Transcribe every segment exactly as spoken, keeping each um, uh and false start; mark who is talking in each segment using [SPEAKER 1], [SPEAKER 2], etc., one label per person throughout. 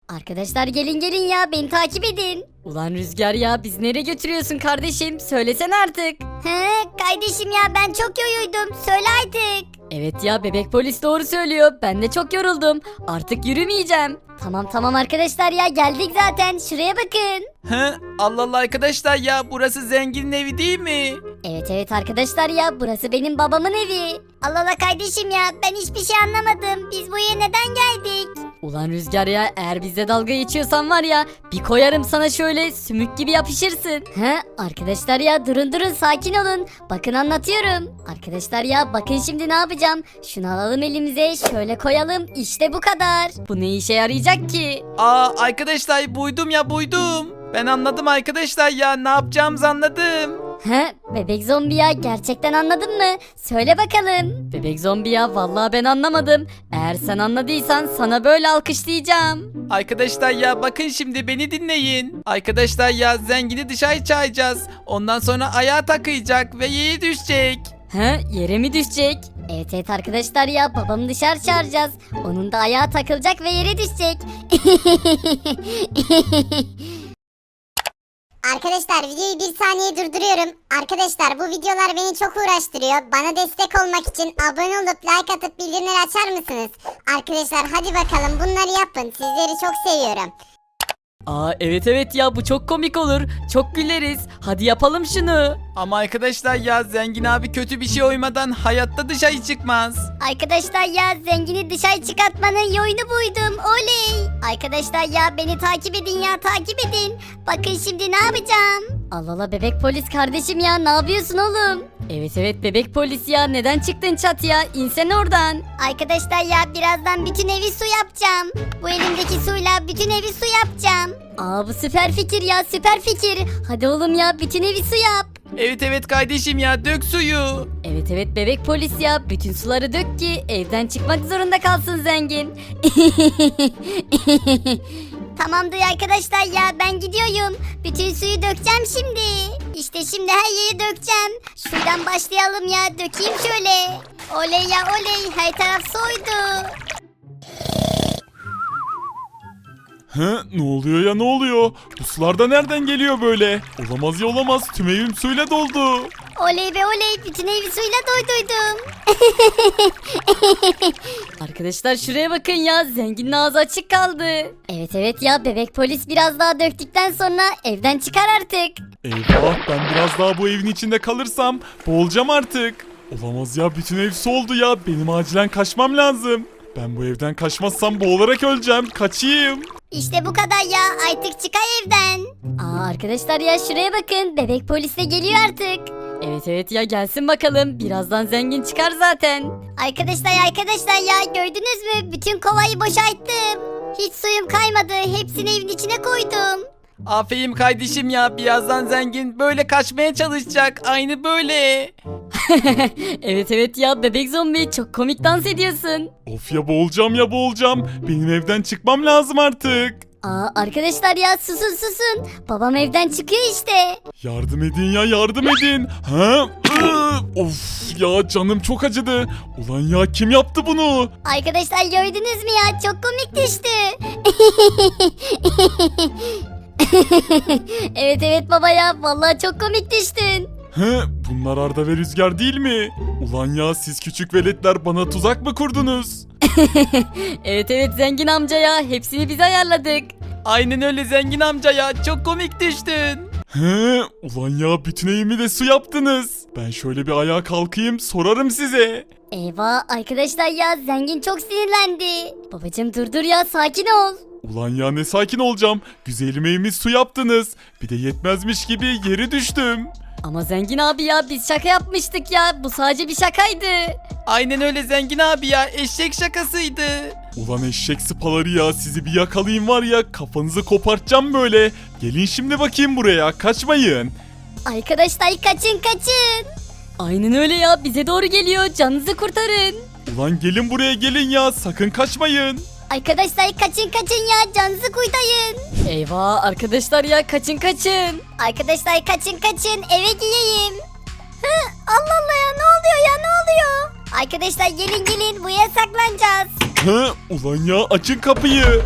[SPEAKER 1] Arkadaşlar gelin gelin ya beni takip edin.
[SPEAKER 2] Ulan Rüzgar ya biz nereye götürüyorsun kardeşim? Söylesene artık.
[SPEAKER 1] He kardeşim ya ben çok yoruldum söyle artık.
[SPEAKER 2] Evet ya bebek polis doğru söylüyor. Ben de çok yoruldum. Artık yürümeyeceğim.
[SPEAKER 1] Tamam tamam arkadaşlar ya geldik zaten şuraya bakın.
[SPEAKER 3] He? Allah Allah arkadaşlar ya burası zenginin evi değil mi?
[SPEAKER 1] Evet evet arkadaşlar ya burası benim babamın evi. Allah Allah kardeşim ya ben hiçbir şey anlamadım. Biz buraya neden geldik?
[SPEAKER 2] Ulan Rüzgar ya eğer bizle dalga geçiyorsan var ya bir koyarım sana şöyle sümük gibi yapışırsın.
[SPEAKER 1] He arkadaşlar ya durun durun sakin olun. Bakın anlatıyorum. Arkadaşlar ya bakın şimdi ne yapacağım. Şunu alalım elimize şöyle koyalım işte bu kadar.
[SPEAKER 2] Bu ne işe yarayacak ki?
[SPEAKER 3] Aa arkadaşlar buydum ya buydum. Ben anladım arkadaşlar ya ne yapacağımızı anladım.
[SPEAKER 1] He bebek zombi ya gerçekten anladın mı? Söyle bakalım.
[SPEAKER 2] Bebek zombi ya vallahi ben anlamadım. Eğer sen anladıysan sana böyle alkışlayacağım.
[SPEAKER 3] Arkadaşlar ya bakın şimdi beni dinleyin. Arkadaşlar ya zengini dışarı çağıracağız. Ondan sonra ayağa takıyacak ve yere düşecek.
[SPEAKER 2] He yere mi düşecek?
[SPEAKER 1] Evet evet arkadaşlar ya babamı dışarı çağıracağız. Onun da ayağı takılacak ve yere düşecek.
[SPEAKER 4] Arkadaşlar videoyu bir saniye durduruyorum. Arkadaşlar bu videolar beni çok uğraştırıyor. Bana destek olmak için abone olup like atıp bildirimleri açar mısınız? Arkadaşlar hadi bakalım bunları yapın. Sizleri çok seviyorum.
[SPEAKER 2] Aa evet evet ya bu çok komik olur. Çok güleriz. Hadi yapalım şunu.
[SPEAKER 3] Ama arkadaşlar ya zengin abi kötü bir şey oymadan hayatta dışarı çıkmaz.
[SPEAKER 1] Arkadaşlar ya zengini dışarı çıkartmanın yolunu buydum. Oley. Arkadaşlar ya beni takip edin ya takip edin. Bakın şimdi ne yapacağım. Allah Allah bebek polis kardeşim ya ne yapıyorsun oğlum?
[SPEAKER 2] Evet evet bebek polis ya neden çıktın çatıya? İnsen oradan.
[SPEAKER 1] Arkadaşlar ya birazdan bütün evi su yapacağım. Bu elimdeki suyla bütün evi su yapacağım. Aa bu süper fikir ya süper fikir. Hadi oğlum ya bütün evi su yap.
[SPEAKER 3] Evet evet kardeşim ya dök suyu.
[SPEAKER 2] Evet evet bebek polis ya bütün suları dök ki evden çıkmak zorunda kalsın zengin.
[SPEAKER 1] Tamamdır arkadaşlar ya ben gidiyorum. Bütün suyu dökeceğim şimdi. İşte şimdi her yeri dökeceğim. Şuradan başlayalım ya dökeyim şöyle. Oley ya oley her taraf soydu.
[SPEAKER 5] He, ne oluyor ya ne oluyor? Bu sular da nereden geliyor böyle? Olamaz ya olamaz tüm evim suyla doldu.
[SPEAKER 1] Oley be oley bütün evi suyla doyduydum.
[SPEAKER 2] Arkadaşlar şuraya bakın ya zenginin ağzı açık kaldı.
[SPEAKER 1] Evet evet ya bebek polis biraz daha döktükten sonra evden çıkar artık.
[SPEAKER 5] Eyvah ben biraz daha bu evin içinde kalırsam boğulacağım artık. Olamaz ya bütün ev su oldu ya benim acilen kaçmam lazım. Ben bu evden kaçmazsam boğularak öleceğim kaçayım.
[SPEAKER 1] İşte bu kadar ya artık çıkar evden. Aa arkadaşlar ya şuraya bakın bebek polis de geliyor artık.
[SPEAKER 2] Evet evet ya gelsin bakalım birazdan zengin çıkar zaten.
[SPEAKER 1] Arkadaşlar arkadaşlar ya gördünüz mü bütün kovayı boşalttım. Hiç suyum kaymadı hepsini evin içine koydum.
[SPEAKER 3] Aferin kardeşim ya birazdan zengin böyle kaçmaya çalışacak aynı böyle.
[SPEAKER 2] Evet evet ya bebek zombi çok komik dans ediyorsun.
[SPEAKER 5] Of ya boğulacağım ya boğulacağım. Benim evden çıkmam lazım artık.
[SPEAKER 1] Aa arkadaşlar ya susun susun. Babam evden çıkıyor işte.
[SPEAKER 5] Yardım edin ya yardım edin. Ha? Iı, Of ya canım çok acıdı. Ulan ya kim yaptı bunu?
[SPEAKER 1] Arkadaşlar gördünüz mü ya çok komik düştü. Evet evet baba ya vallahi çok komik düştün.
[SPEAKER 5] He, bunlar Arda ve Rüzgar değil mi? Ulan ya siz küçük veletler bana tuzak mı kurdunuz?
[SPEAKER 2] Evet evet zengin amca ya hepsini biz ayarladık.
[SPEAKER 3] Aynen öyle zengin amca ya çok komik düştün.
[SPEAKER 5] He, ulan ya bütün evimi de su yaptınız. Ben şöyle bir ayağa kalkayım sorarım size.
[SPEAKER 1] Eyvah arkadaşlar ya zengin çok sinirlendi. Babacım dur dur ya sakin ol.
[SPEAKER 5] Ulan ya ne sakin olacağım. Güzelim evimi su yaptınız. Bir de yetmezmiş gibi yere düştüm.
[SPEAKER 2] Ama zengin abi ya biz şaka yapmıştık ya bu sadece bir şakaydı.
[SPEAKER 3] Aynen öyle zengin abi ya eşek şakasıydı.
[SPEAKER 5] Ulan eşek sıpaları ya sizi bir yakalayayım var ya kafanızı kopartacağım böyle. Gelin şimdi bakayım buraya kaçmayın.
[SPEAKER 1] Arkadaşlar kaçın kaçın.
[SPEAKER 2] Aynen öyle ya bize doğru geliyor canınızı kurtarın.
[SPEAKER 5] Ulan gelin buraya gelin ya sakın kaçmayın.
[SPEAKER 1] Arkadaşlar kaçın kaçın ya canınızı kurtarın.
[SPEAKER 2] Eyvah arkadaşlar ya kaçın kaçın.
[SPEAKER 1] Arkadaşlar kaçın kaçın eve gireyim. Hı, Allah Allah ya ne oluyor ya ne oluyor? Arkadaşlar gelin gelin buraya saklanacağız.
[SPEAKER 5] Hı, ulan ya açın kapıyı.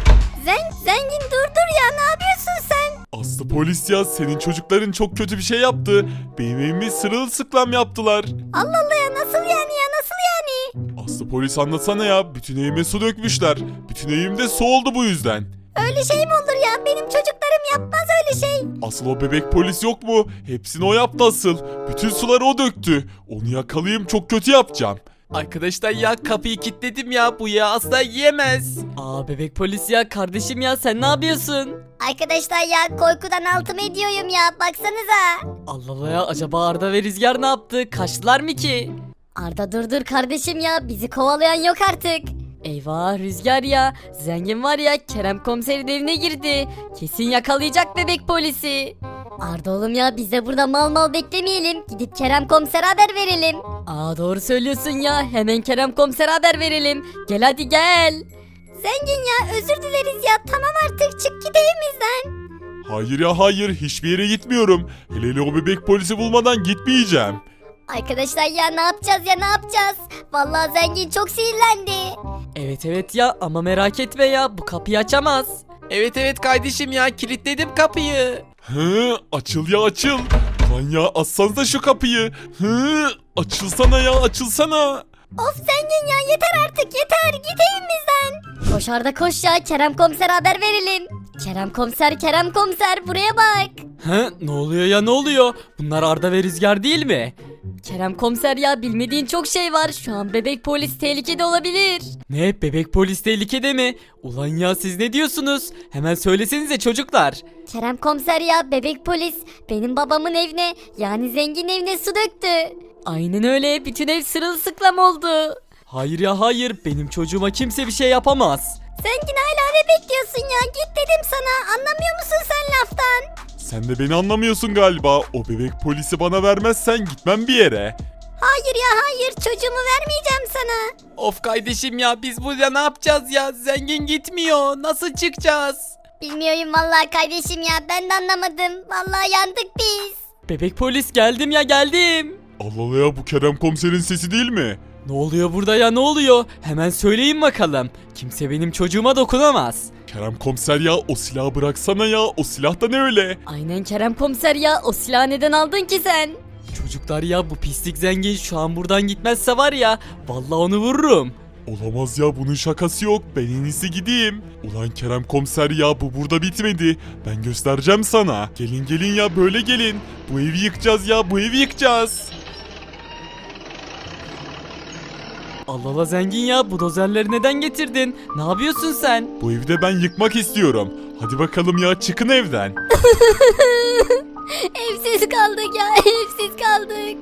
[SPEAKER 1] Zen, zengin dur dur ya ne yapıyorsun sen?
[SPEAKER 5] Aslı polis ya, senin çocukların çok kötü bir şey yaptı. Benim evimi sırılsıklam yaptılar.
[SPEAKER 1] Allah Allah ya nasıl yani ya nasıl yani?
[SPEAKER 5] Aslı polis anlatsana ya, bütün evime su dökmüşler. Bütün evimde su oldu bu yüzden.
[SPEAKER 1] Öyle şey mi olur ya? Benim çocuklarım yapmaz öyle şey.
[SPEAKER 5] Asıl o bebek polis yok mu? Hepsini o yaptı asıl. Bütün suları o döktü. Onu yakalayayım, çok kötü yapacağım.
[SPEAKER 3] Arkadaşlar ya kapıyı kilitledim ya. Bu ya asla yiyemez.
[SPEAKER 2] Aa bebek polis ya kardeşim ya sen ne yapıyorsun?
[SPEAKER 1] Arkadaşlar ya korkudan altımı ediyorum ya baksanıza.
[SPEAKER 2] Allah Allah ya acaba Arda ve Rüzgar ne yaptı? Kaçtılar mı ki?
[SPEAKER 1] Arda dur dur kardeşim ya bizi kovalayan yok artık.
[SPEAKER 2] Eyvah Rüzgar ya. Zengin var ya Kerem komiserin evine girdi. Kesin yakalayacak bebek polisi.
[SPEAKER 1] Arda oğlum ya biz de burada mal mal beklemeyelim. Gidip Kerem komisere haber verelim.
[SPEAKER 2] Aa doğru söylüyorsun ya. Hemen Kerem komisere haber verelim. Gel hadi gel.
[SPEAKER 1] Zengin ya özür dileriz ya tamam artık çık git evimizden.
[SPEAKER 5] Hayır ya hayır, hiçbir yere gitmiyorum. Hele hele o bebek polisi bulmadan gitmeyeceğim.
[SPEAKER 1] Arkadaşlar ya ne yapacağız ya ne yapacağız? Vallahi zengin çok sinirlendi.
[SPEAKER 2] Evet evet ya ama merak etme ya bu kapıyı açamaz.
[SPEAKER 3] Evet evet kardeşim ya kilitledim kapıyı.
[SPEAKER 5] Hı, açıl ya açıl. Lan ya açsanıza şu kapıyı. Hı, açılsana ya açılsana.
[SPEAKER 1] Of zengin ya yeter artık yeter git evimizden. Koş Arda koş ya Kerem komisere haber verelim. Kerem komiser Kerem komiser buraya bak.
[SPEAKER 2] He ne oluyor ya ne oluyor? Bunlar Arda ve Rüzgar değil mi? Kerem komiser ya bilmediğin çok şey var. Şu an bebek polis tehlikede olabilir. Ne bebek polis tehlikede mi? Ulan ya siz ne diyorsunuz? Hemen söylesenize çocuklar.
[SPEAKER 1] Kerem komiser ya bebek polis benim babamın evine yani zengin evine su döktü.
[SPEAKER 2] Aynen öyle bütün ev sırılsıklam oldu. Hayır ya hayır benim çocuğuma kimse bir şey yapamaz.
[SPEAKER 1] Zengin hala ne bekliyorsun ya git dedim sana anlamıyor musun sen laftan?
[SPEAKER 5] Sen de beni anlamıyorsun galiba. O bebek polisi bana vermezsen gitmem bir yere.
[SPEAKER 1] Hayır ya hayır çocuğumu vermeyeceğim sana.
[SPEAKER 3] Of kardeşim ya biz burada ne yapacağız ya? Zengin gitmiyor. Nasıl çıkacağız?
[SPEAKER 1] Bilmiyorum vallahi kardeşim ya ben de anlamadım. Vallahi yandık biz.
[SPEAKER 2] Bebek polis geldim ya geldim.
[SPEAKER 5] Allah Allah ya, bu Kerem komiserin sesi değil mi?
[SPEAKER 2] Ne oluyor burada ya ne oluyor? Hemen söyleyin bakalım. Kimse benim çocuğuma dokunamaz.
[SPEAKER 5] Kerem komiser ya, o silahı bıraksana ya. O silah da ne öyle?
[SPEAKER 2] Aynen Kerem komiser ya o silahı neden aldın ki sen? Çocuklar ya bu pislik zengin şu an buradan gitmezse var ya vallahi onu vururum.
[SPEAKER 5] Olamaz ya, bunun şakası yok. Ben en iyisi gideyim. Ulan Kerem komiser ya, bu burada bitmedi. Ben göstereceğim sana. Gelin gelin ya, böyle gelin. Bu evi yıkacağız ya, bu evi yıkacağız.
[SPEAKER 2] Allah Allah zengin ya bu dozerleri neden getirdin? Ne yapıyorsun sen?
[SPEAKER 5] Bu evi de ben yıkmak istiyorum. Hadi bakalım ya, çıkın evden.
[SPEAKER 1] Evsiz kaldık ya evsiz kaldık.